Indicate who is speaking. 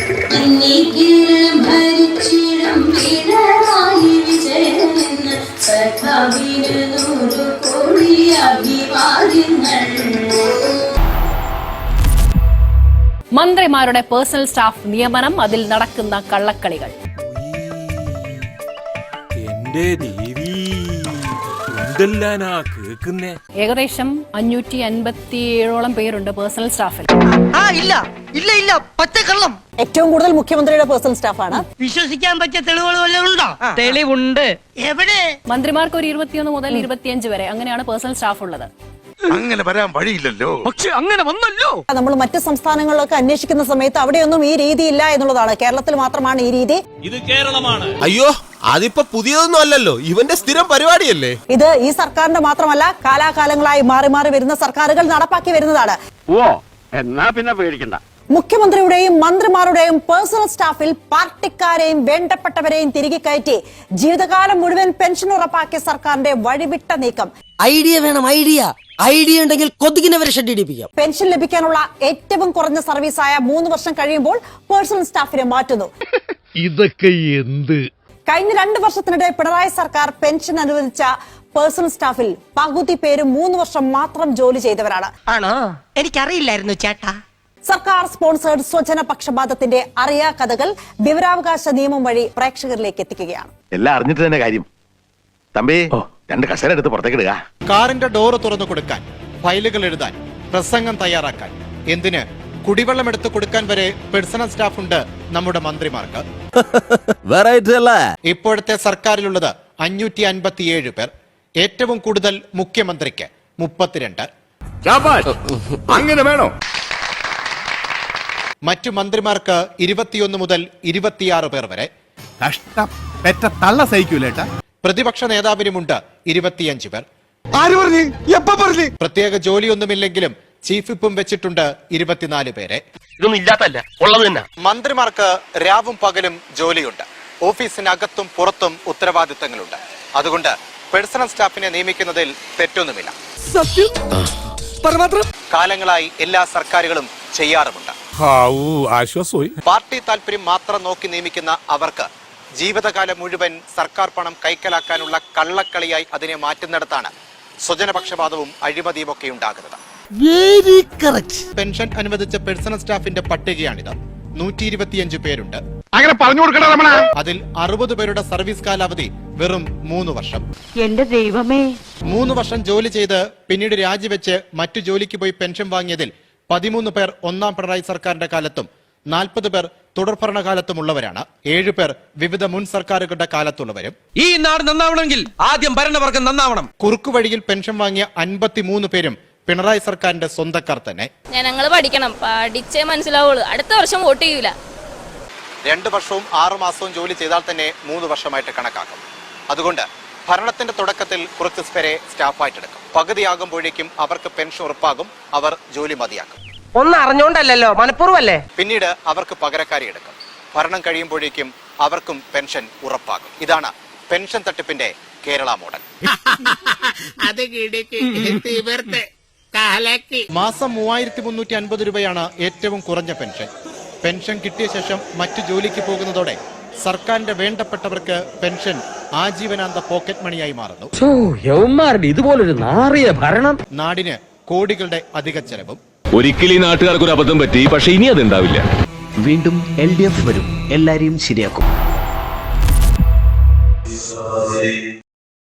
Speaker 1: മന്ത്രിമാരുടെ personal staff നിയമനം, അതിൽ നടക്കുന്ന കള്ളക്കളികൾ. ഏകദേശം 557ഓളം പേരുണ്ട് പേഴ്സണൽ സ്റ്റാഫിൽ.
Speaker 2: ഏറ്റവും കൂടുതൽ മുഖ്യമന്ത്രിയുടെ പേഴ്സണൽ സ്റ്റാഫാണ്.
Speaker 3: വിശ്വസിക്കാൻ പറ്റിയ തെളിവുകൾ വല്ലതും ഉണ്ടോ? തെളിവുണ്ട്. എവിടെ?
Speaker 1: മന്ത്രിമാർക്ക് ഒരു 21 മുതൽ 25 വരെ അങ്ങനെയാണ് പേഴ്സണൽ സ്റ്റാഫ് ഉള്ളത്.
Speaker 4: അങ്ങനെ വരാൻ വഴിയില്ലല്ലോ. പക്ഷെ അങ്ങനെ വന്നല്ലോ.
Speaker 2: നമ്മൾ മറ്റു സംസ്ഥാനങ്ങളിലൊക്കെ അന്വേഷിക്കുന്ന സമയത്ത് അവിടെയൊന്നും ഈ രീതിയില്ല എന്നുള്ളതാണ്. കേരളത്തിൽ മാത്രമാണ് ഈ രീതി.
Speaker 5: ഇത് കേരളമാണ്.
Speaker 6: അയ്യോ, അതിപ്പോ പുതിയതൊന്നും അല്ലല്ലോ, ഇവന്റെ സ്ഥിരം പരിപാടിയല്ലേ
Speaker 2: ഇത്. ഈ സർക്കാരിന്റെ മാത്രമല്ല, കാലാകാലങ്ങളായി മാറി മാറി വരുന്ന സർക്കാരുകൾ നടപ്പാക്കി വരുന്നതാണ്.
Speaker 7: ഓ, എന്നാ പിന്നെ പേടിക്കണ്ട.
Speaker 2: മുഖ്യമന്ത്രിയുടെയും മന്ത്രിമാരുടെയും പേഴ്സണൽ സ്റ്റാഫിൽ പാർട്ടിക്കാരെയും വേണ്ടപ്പെട്ടവരെയും തിരികെ കയറ്റി ജീവിതകാലം മുഴുവൻ പെൻഷൻ ഉറപ്പാക്കിയ സർക്കാരിന്റെ വഴിവിട്ട നീക്കം.
Speaker 8: ഐഡിയ വേണം, ഐഡിയ ഉണ്ടെങ്കിൽ കൊതുകിനെ വരെ ഷെഡിപ്പിക്കാം.
Speaker 2: പെൻഷൻ ലഭിക്കാനുള്ള ഏറ്റവും കുറഞ്ഞ സർവീസായ 3 വർഷം കഴിയുമ്പോൾ പേഴ്സണൽ സ്റ്റാഫിനെ മാറ്റുന്നു.
Speaker 4: ഇതൊക്കെ എന്ത്?
Speaker 2: കഴിഞ്ഞ 2 വർഷത്തിനിടെ പിണറായി സർക്കാർ പെൻഷൻ അനുവദിച്ച പേഴ്സണൽ സ്റ്റാഫിൽ പകുതി പേരും 3 വർഷം മാത്രം ജോലി ചെയ്തവരാണ്.
Speaker 3: ആണോ? എനിക്കറിയില്ലായിരുന്നു ചേട്ടാ.
Speaker 2: സർക്കാർ സ്പോൺസേഡ് സ്വജന പക്ഷപാതത്തിന്റെ അറിയാ കഥകൾ വിവരാവകാശ നിയമം വഴി പ്രേക്ഷകരിലേക്ക് എത്തിക്കുകയാണ്.
Speaker 4: എല്ലാം അറിഞ്ഞിട്ട് തന്നെ കാര്യം. തമ്പി, 2 കസേര എടുത്ത് പുറത്തേക്കിടുക.
Speaker 9: കാറിന്റെ ഡോറ് തുറന്നു കൊടുക്കാൻ, ഫയലുകൾ എഴുതാൻ, പ്രസംഗം തയ്യാറാക്കാൻ, എന്തിന് കുടിവെള്ളം എടുത്തു കൊടുക്കാൻ വരെ പേഴ്സണൽ സ്റ്റാഫ് ഉണ്ട് നമ്മുടെ മന്ത്രിമാർക്ക്. ഇപ്പോഴത്തെ സർക്കാരിലുള്ളത് 557 പേർ. ഏറ്റവും കൂടുതൽ മുഖ്യമന്ത്രിക്ക് 32.
Speaker 4: അങ്ങനെ വേണോ?
Speaker 9: മറ്റു മന്ത്രിമാർക്ക് 21 മുതൽ 26 പേർ വരെ.
Speaker 4: തള്ള സഹിക്കൂലേട്ടാ.
Speaker 9: പ്രതിപക്ഷ നേതാവിനുമുണ്ട് 25 പേർ.
Speaker 4: ആര് പറഞ്ഞു? എപ്പ പറഞ്ഞു?
Speaker 9: പ്രത്യേക ജോലിയൊന്നുമില്ലെങ്കിലും ചീഫ് വിപ്പും വെച്ചിട്ടുണ്ട് 24 പേരെ.
Speaker 7: ഇതൊന്നും ഇല്ലാത്തല്ല, ഉള്ളത് തന്നെ.
Speaker 9: മന്ത്രിമാർക്ക് രാവും പകലും ജോലിയുണ്ട്. ഓഫീസിനകത്തും പുറത്തും ഉത്തരവാദിത്തങ്ങളുണ്ട്. അതുകൊണ്ട് പേഴ്സണൽ സ്റ്റാഫിനെ നിയമിക്കുന്നതിൽ തെറ്റൊന്നുമില്ല. കാലങ്ങളായി എല്ലാ സർക്കാരുകളും ചെയ്യാറുമുണ്ട്. പാർട്ടി താല്പര്യം മാത്രം നോക്കി നിയമിക്കുന്ന അവർക്ക് ജീവിതകാലം മുഴുവൻ സർക്കാർ പണം കൈക്കലാക്കാനുള്ള കള്ളക്കളിയായി അതിനെ മാറ്റുന്നിടത്താണ് സ്വജനപക്ഷപാതവും അഴിമതിയും ഒക്കെ ഉണ്ടാകുന്നത്. പെൻഷൻ അനുവദിച്ച പേഴ്സണൽ സ്റ്റാഫിന്റെ പട്ടികയാണിത്. 125 പേരുണ്ട്.
Speaker 4: അങ്ങനെ പറഞ്ഞു കൊടുക്കണ.
Speaker 9: അതിൽ 60 പേരുടെ സർവീസ് കാലാവധി വെറും 3 വർഷം.
Speaker 3: എന്റെ ദൈവമേ.
Speaker 9: 3 വർഷം ജോലി ചെയ്ത് പിന്നീട് രാജിവെച്ച് മറ്റു ജോലിക്ക് പോയി പെൻഷൻ വാങ്ങിയതിൽ 13 പേർ ഒന്നാം പിണറായി സർക്കാരിന്റെ കാലത്തും 40 പേർ തുടർഭരണകാലത്തുമുള്ളവരാണ്. 7 പേർ വിവിധ മുൻ സർക്കാരുകളുടെ കാലത്തുള്ളവരും.
Speaker 5: ഈ നാട് നന്നാവണമെങ്കിൽ ആദ്യം ഭരണവർഗം നന്നാവണം.
Speaker 9: കുറുക്കുവഴിയിൽ പെൻഷൻ വാങ്ങിയ 53 പേരും പിണറായി സർക്കാരിന്റെ സ്വന്തക്കാർ തന്നെ.
Speaker 10: ഞങ്ങൾ പഠിക്കണം, പഠിച്ചേ മനസ്സിലാവുള്ളൂ. അടുത്ത വർഷം വോട്ട് ചെയ്യൂല.
Speaker 9: 2 വർഷവും 6 മാസവും ജോലി ചെയ്താൽ തന്നെ 3 വർഷമായിട്ട് കണക്കാക്കും. അതുകൊണ്ട് ഭരണത്തിന്റെ തുടക്കത്തിൽ കുറച്ച് പേരെ സ്റ്റാഫായിട്ടെടുക്കും. പകുതിയാകുമ്പോഴേക്കും അവർക്ക് പെൻഷൻ ഉറപ്പാകും. അവർ ജോലി മതിയാക്കും.
Speaker 3: ഒന്നും അറിഞ്ഞോണ്ടല്ലോ, മനഃപൂർവ്വമല്ലേ.
Speaker 9: പിന്നീട് അവർക്ക് പകരക്കാരി എടുക്കും. ഭരണം കഴിയുമ്പോഴേക്കും അവർക്കും പെൻഷൻ ഉറപ്പാകും. ഇതാണ് പെൻഷൻ തട്ടിപ്പിന്റെ കേരള മോഡൽ. മാസം 3350 രൂപയാണ് ഏറ്റവും കുറഞ്ഞ പെൻഷൻ. പെൻഷൻ കിട്ടിയ ശേഷം മറ്റു ജോലിക്ക് പോകുന്നതോടെ സർക്കാരിന്റെ വേണ്ടപ്പെട്ടവർക്ക് പെൻഷൻ ആജീവനാന്ത പോക്കറ്റ് മണിയായി മാറുന്നു.
Speaker 7: ഇതുപോലൊരു നാറിയ ഭരണം.
Speaker 9: നാടിന് കോടികളുടെ അധിക ചെലവും.
Speaker 5: ഒരിക്കലും ഈ നാട്ടുകാർക്ക് ഒരു അബദ്ധം പറ്റി, പക്ഷെ ഇനി അത് ഉണ്ടാവില്ല.
Speaker 8: വീണ്ടും LDF വരും, എല്ലാരെയും ശരിയാക്കും.